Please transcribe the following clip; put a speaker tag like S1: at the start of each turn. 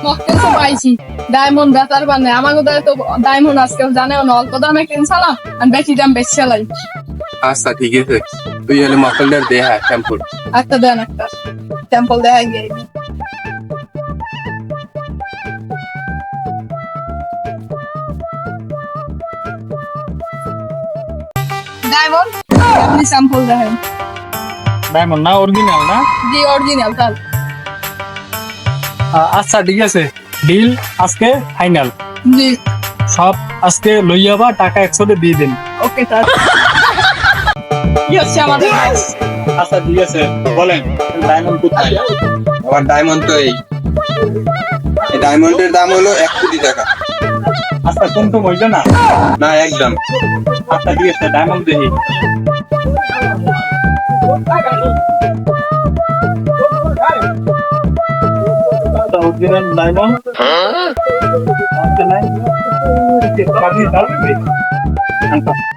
S1: মক্কেল তো পাইছি ডায়মন্ড বেতার বানে আমাকে তো ডায়মন্ড আজকে জানেও না অল্প দামে কিনছিলাম আর বেশি দাম বেশি চালাই।
S2: আচ্ছা ঠিক আছে, তুই হলে মকলটার দে হ্যাঁ স্যাম্পল।
S1: একটা দেন একটা স্যাম্পল দেখাই গিয়ে ডায়মন্ড আপনি স্যাম্পল দেখেন।
S3: ডায়মন্ড না অরিজিনাল না?
S1: জি অরিজিনাল তাল।
S3: আচ্ছা ঠিক আছে, ডিল আজকে ফাইনাল।
S1: জি
S3: সব আজকে লই যাবা, টাকা 100 দিয়ে দেন।
S1: Okay sir. কি হচ্ছে আমাদের কাজ?
S3: আচ্ছা ঠিক আছে, বলেন ডায়মন্ড কোথায়?
S2: আমার ডায়মন্ড তো এই ডায়মন্ডের দাম হলো 1 কোটি টাকা।
S3: আচ্ছা কোন হইলো না?
S2: না একদম।
S3: আচ্ছা ঠিক আছে, ডায়মন্ড দেখি। অরিজিনাল ডায়মন্ড আচ্ছা নাই